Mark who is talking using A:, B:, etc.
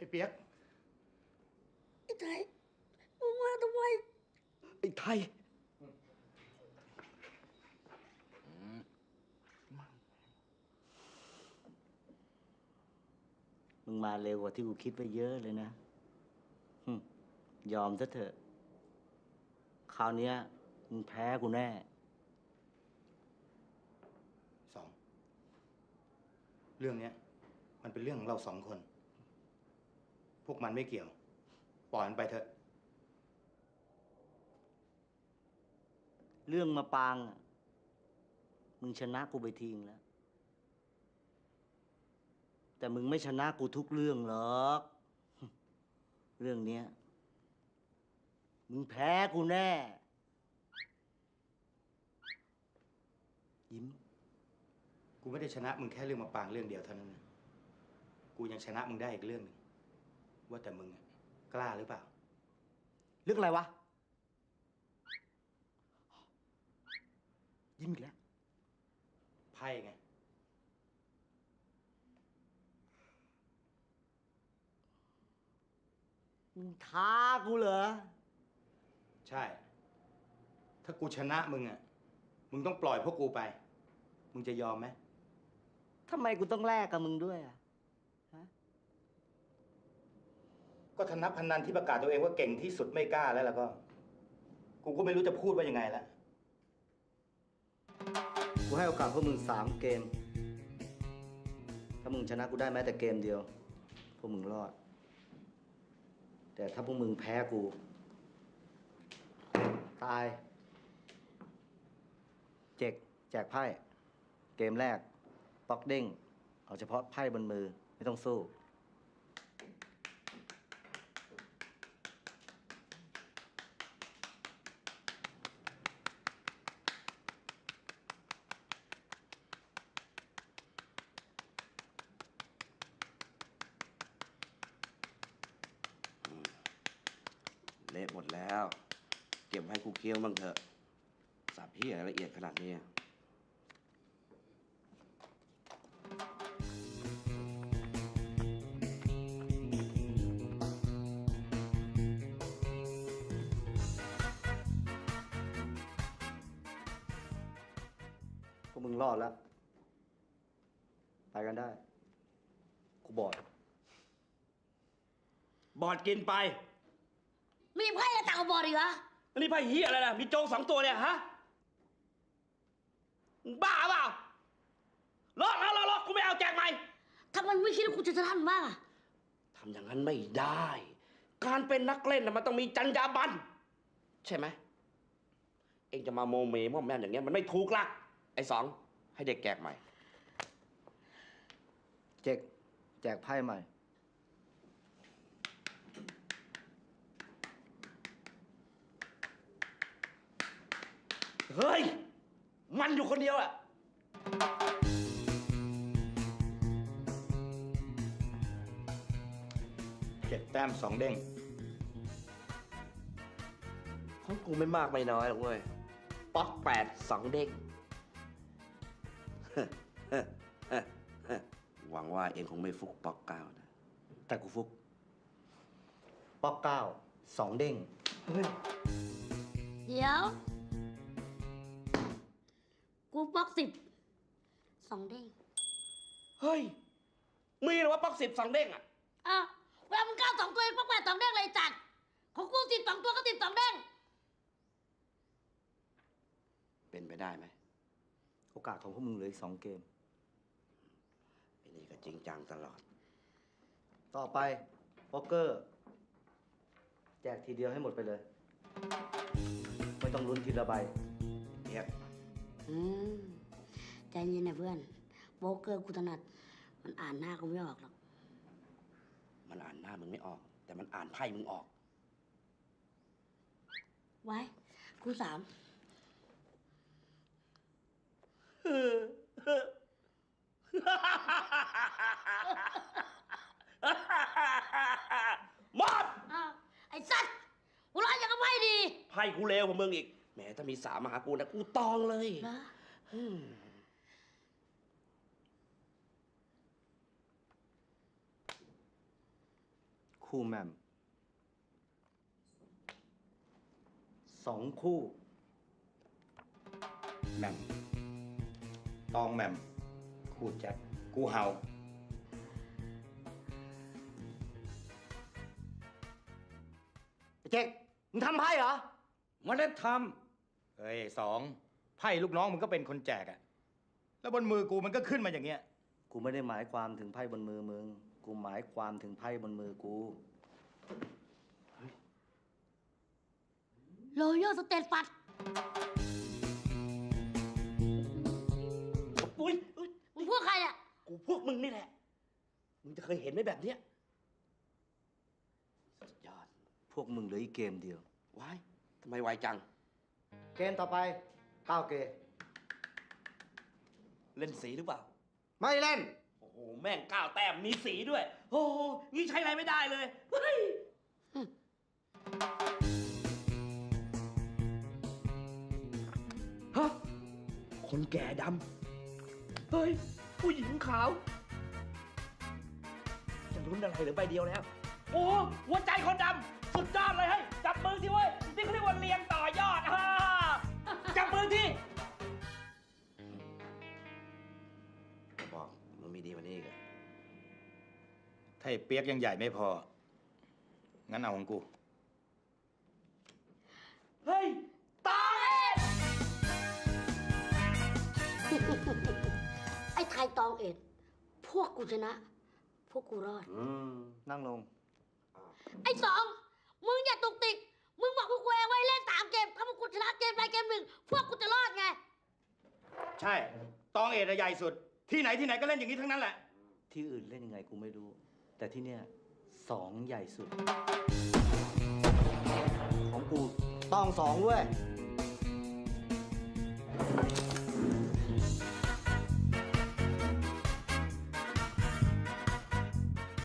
A: เปียก
B: ไอ้ไทยมึงมาทำไม
A: ไอ้ไทยมึงมาเร็วกว่าที่กูคิดไว้เยอะเลยนะยอมซะเถอะคราวนี้มึงแพ้กูแน่สองเรื่องนี้มันเป็นเรื่องของเรา2 คน พวกมันไม่เกี่ยวปล่อยมันไปเถอะเรื่องมาปางมึงชนะกูไปทิ้งแล้วแต่มึงไม่ชนะกูทุกเรื่องหรอกเรื่องเนี้ยมึงแพ้กูแน่ยิ้มกูไม่ได้ชนะมึงแค่เรื่องมาปางเรื่องเดียวเท่านั้นนะกูยังชนะมึงได้อีกเรื่องหนึ่งว่าแต่มึงกล้าหรือเปล่าเรื่องอะไรวะยิ้มอีกแล้วไพ่ไงมึงท้ากูเหรอใช่ถ้ากูชนะมึงมึงต้องปล่อยพวกกูไปมึงจะยอมไหมทำไมกูต้องแลกกับมึงด้วยฮะก็ธนพนันที่ประกาศตัวเองว่าเก่งที่สุดไม่กล้าแล้วก็กูก็ไม่รู้จะพูดว่ายังไงแล้วกูให้โอกาสพวกมึง3 เกมถ้ามึงชนะกูได้แม้แต่เกมเดียวพวกมึงรอดแต่ถ้าพวกมึงแพ้กูตายแจกไพ่เกมแรกป๊อกเด้งเอาเฉพาะไพ่บนมือไม่ต้องสู้
C: เละหมดแล้วเก็บให้กูเคี้ยวบ้างเถอะสับเหี้ยละเอียดขนาดนี้
A: พวกมึงรอดแล้วไปกันได้กูบอดกินไป
B: มีไพ่อะไรต่างกับบอดอีกเหรอ
A: แล้วนี่ไพ่เหี้ยอะไรล่ะมีโจง2 ตัวเนี่ยฮะบ้าเปล่าลอกกูไม่เอาแจกใหม่
B: ทำไมไม่คิดว่ากูจะชนะมันบ้างอะ
C: ทำอย่างนั้นไม่ได้ การเป็นนักเล่นมันต้องมีจรรยาบรรณใช่ไหมเองจะมาโมเมม่อมแม่มอย่างเงี้ยมันไม่ถูกละไอ้สองให้เด็กแจกใหม่
A: แจกไพ่ใหม่
C: เฮ้ยมันอยู่คนเดียวอะ
A: 7 แต้ม 2 เด้ง
C: ของกูไม่มากไม่น้อยหรอกเว้ยป๊อก8 2 เด้งหวังว่าเองคงไม่ฟุกป๊อก9นะ
A: แต่กูฟุกป๊อก9 2 เด้ง
B: เดี๋ยวกูบล็อก2 เด้ง
C: เฮ้ยมีหรือว่าป๊อก10 2 เด้งอะ
B: อ้าวเวลามึง9 2 ตัวเองบล็อก8 2 เด้งเลยจัดของกู12 ตัวก็12 เด้ง
C: เป็นไปได้ไหม
A: โอกาสของพวกมึงเหลืออีก2 เกม
C: ไอ้นี่ก็จริงจังตลอด
A: ต่อไปโป๊กเกอร์แจกทีเดียวให้หมดไปเลยไม่ต้องลุ้นทีละใบ
C: เงียบ
B: ใจเย็นนะเพื่อนโป๊กเกอร์กูถนัดมันอ่านหน้ากูไม่ออกหรอก
C: มันอ่านหน้ามึงไม่ออกแต่มันอ่านไพ่มึงออก
B: ไว้กู3
C: หมด
B: ไอ้สัตว์หัวเราะอย่างกับไพ่ดี
C: ไพ่กูเลวกว่ามึงอีกแหมถ้ามี3มาหากูนะกูตองเลย
A: คู่แหม่ม2 คู่แหม่มตองแหม่มคู่แจ็คกูเห่าไอ้เจ๊กมึงทำไพ่เหรอ
D: ไมันได้ท
A: เฮ้ยสองไพ่ลูกน้องมึงก็เป็นคนแจกอะแล้วบนมือกูมันก็ขึ้นมาอย่างเงี้ย
E: กูไม่ได้หมายความถึงไพ่บนมือมึง กูหมายความถึงไพ่บนมือกู
B: โรโยสเตตฟัด
C: อุ้ยอุ๊ย
B: มึงพวกใครอ่ะ
C: กูพวกมึงนี่แหละ มึงจะเคยเห็นไหมแบบเนี้ยสุดยอด
E: พวกมึงเหลืออีกเกมเดียว
C: ว้าย ทำไมไวจัง
E: เกมต่อไป9 เกม
C: เล่นสีหรือเปล่า
E: ไม่เล่น
C: โอ้โห แม่ง9 แต้ม มีสีด้วย โอ้โห งี้ใช้อะไรไม่ได้เลย เฮ้ย ฮะ คนแก่ดำ เฮ้ย ผู้หญิงขาว จะลุ้นอะไรเหรือใบเดียวแล้ว โอ้หัวใจคนดำ สุดยอดเลยเฮ้ย จับมือสิเว้ย นี่เขาเรียกว่าเรียงต่อยอดฮ่าจับมือที่บอกมันมีดีกว่านี้อีกอะ
A: ถ้าไอ้เปียกยังใหญ่ไม่พอ งั้นเอาของกู
C: เฮ้ย ตาย
B: ไอ้ไทยตองเอ็ด พวกกูชนะ พวกกูรอด
E: นั่งลง
B: ไอ้สอง มึงอย่าตุกติก มึงบอกพวกกูเองไว้เล่น3 เกม ถ้าพวกกูชนะเกมใดเกมหนึ่ง พวกกูจะรอดไง
A: ใช่ ตองเอ็ดอะใหญ่สุด ที่ไหนที่ไหนก็เล่นอย่างนี้ทั้งนั้นแหละ
E: ที่อื่นเล่นยังไงกูไม่รู้ แต่ที่เนี่ย2 ใหญ่สุด ของกูต้อง2ด้วย